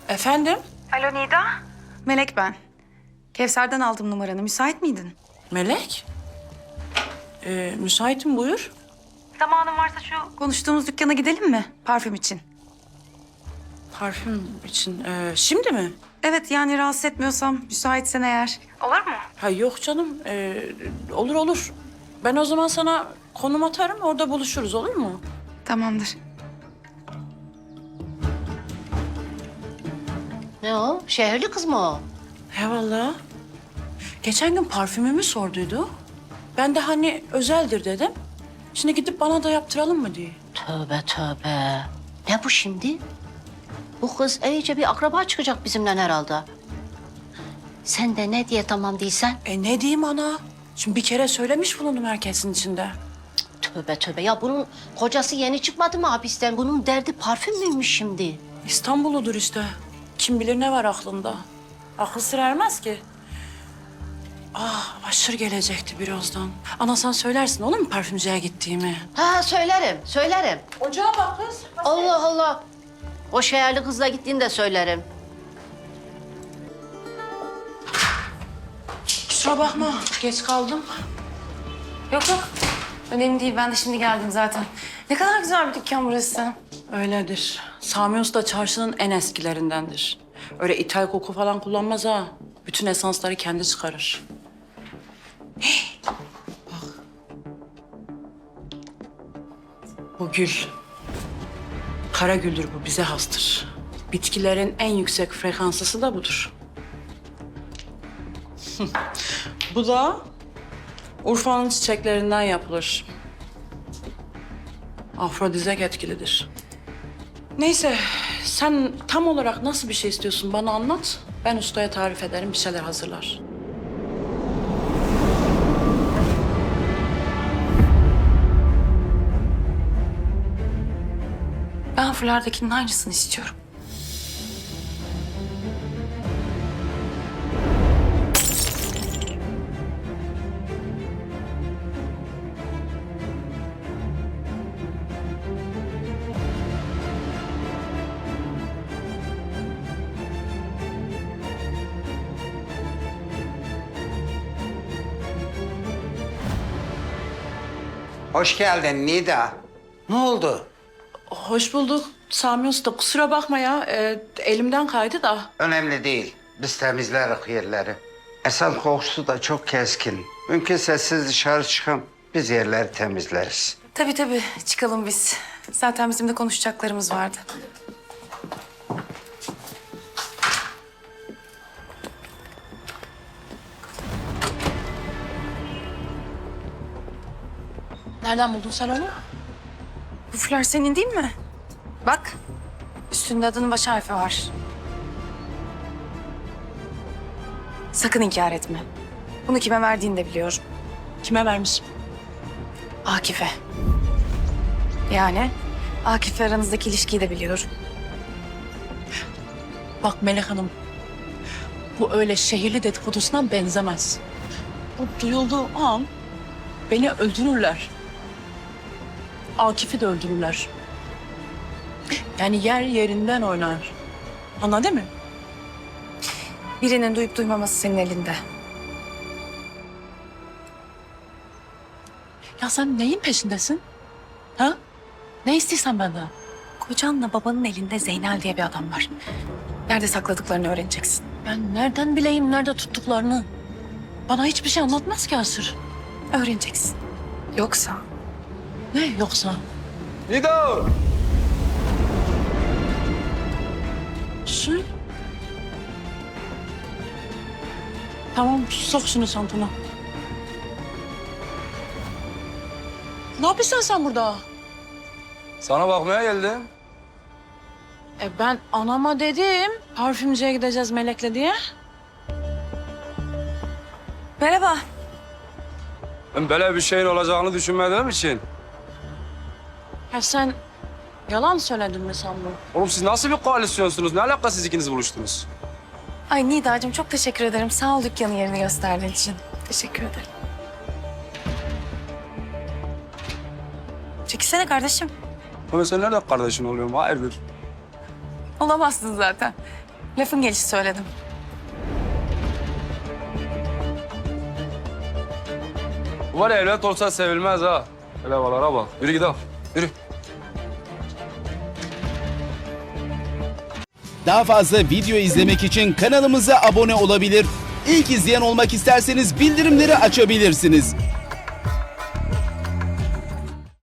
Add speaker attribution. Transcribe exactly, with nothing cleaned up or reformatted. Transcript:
Speaker 1: Efendim?
Speaker 2: Alo Nida. Melek ben. Kevser'den aldım numaranı. Müsait miydin?
Speaker 1: Melek? Ee, müsaitim, buyur.
Speaker 2: Zamanın varsa şu konuştuğumuz dükkana gidelim mi? Parfüm için.
Speaker 1: Parfüm için. Ee, şimdi mi?
Speaker 2: Evet, yani rahatsız etmiyorsam, müsaitsen eğer. Olur mu?
Speaker 1: Ha yok canım. Ee, olur olur. Ben o zaman sana konum atarım, orada buluşuruz, olur mu?
Speaker 2: Tamamdır.
Speaker 3: Ne o? Şehirli kız mı o?
Speaker 1: He vallahi. Geçen gün parfümümü sorduydu. Ben de hani özeldir dedim. Şimdi gidip bana da yaptıralım mı diye.
Speaker 3: Tövbe tövbe. Ne bu şimdi? Bu kız iyice bir akraba çıkacak bizimle herhalde. Sen de ne diye tamam değilsen?
Speaker 1: E ne diyeyim ana? Şimdi bir kere söylemiş bulundum herkesin içinde.
Speaker 3: Tövbe tövbe. Ya bunun kocası yeni çıkmadı mı hapisten? Bunun derdi parfüm müymüş şimdi?
Speaker 1: İstanbul'udur işte. Kim bilir ne var aklında. Akıl sır ermez ki. Ah, aşırı gelecekti birazdan. Ana sen söylersin olur mu parfümcüye gittiğimi?
Speaker 3: Ha söylerim, söylerim.
Speaker 1: Ocağa bak kız.
Speaker 3: Allah Allah. O şehirli kızla gittiğini de söylerim.
Speaker 1: Kusura bakma, geç kaldım.
Speaker 2: Yok yok. Önemli değil. Ben de şimdi geldim zaten. Ne kadar güzel bir dükkan burası.
Speaker 1: Öyledir. Sami Usta çarşının en eskilerindendir. Öyle ithal koku falan kullanmaz ha. Bütün esansları kendi çıkarır. Hey, bak. Bu gül. Kara güldür bu, bize hastır. Bitkilerin en yüksek frekanslısı da budur. Bu da Urfa'nın çiçeklerinden yapılır. Afrodizyak etkilidir. Neyse, sen tam olarak nasıl bir şey istiyorsun bana anlat. Ben ustaya tarif ederim, bir şeyler hazırlar.
Speaker 2: Ben fulardakinin aynısını istiyorum.
Speaker 4: Hoş geldin Nida. Ne oldu?
Speaker 1: Hoş bulduk Sami Usta. Kusura bakma ya, e, elimden kaydı da.
Speaker 4: Önemli değil. Biz temizleriz yerleri. Esan kokusu da çok keskin. Mümkünse siz dışarı çıkın. Biz yerleri temizleriz.
Speaker 2: Tabii tabii. Çıkalım biz. Zaten bizim de konuşacaklarımız vardı.
Speaker 1: Nereden buldun sen onu?
Speaker 2: Bu fular senin değil mi? Bak. Üstünde adının baş harfi var. Sakın inkar etme. Bunu kime verdiğini de biliyorum.
Speaker 1: Kime vermiş?
Speaker 2: Akif'e. Yani Akif'le aranızdaki ilişkiyi de biliyorum.
Speaker 1: Bak Melek Hanım, bu öyle şehirli dedikodusuna benzemez. Bu duyulduğu an beni öldürürler. Akif'i de öldürürler. Yani yer yerinden oynar. Anladın mı?
Speaker 2: Birinin duyup duymaması senin elinde.
Speaker 1: Ya sen neyin peşindesin? Ha? Ne istiyorsan benden?
Speaker 2: Kocanla babanın elinde Zeynel diye bir adam var. Nerede sakladıklarını öğreneceksin.
Speaker 1: Ben nereden bileyim nerede tuttuklarını? Bana hiçbir şey anlatmaz ki Asır.
Speaker 2: Öğreneceksin. Yoksa
Speaker 1: Ne yoksa?
Speaker 5: Nido!
Speaker 1: Su. Tamam, sok şunu çantana. Ne yapıyorsun sen burada?
Speaker 5: Sana bakmaya geldim.
Speaker 1: E ben anama dedim, parfümcüye gideceğiz Melek'le diye.
Speaker 2: merhaba.
Speaker 5: Ben böyle bir şeyin olacağını düşünmediğim için.
Speaker 1: Ya sen yalan söyledin mi sandın?
Speaker 5: Oğlum siz nasıl bir koalisyonsunuz? Ne alaka siz ikiniz buluştunuz?
Speaker 2: Ay Nida'cığım çok teşekkür ederim. Sağ ol dükkanın yerini gösterdiğin için. Teşekkür ederim. Çekilsene kardeşim.
Speaker 5: Ama sen nerede kardeşin oluyorsun? Hayırdır?
Speaker 2: Olamazsın zaten. Lafın gelişi söyledim.
Speaker 5: Var ya, evlat olsa sevilmez ha. Hele havalara bak. Yürü gidelim. Yürü.
Speaker 6: Daha fazla video izlemek için kanalımıza abone olabilir. İlk izleyen olmak isterseniz bildirimleri açabilirsiniz.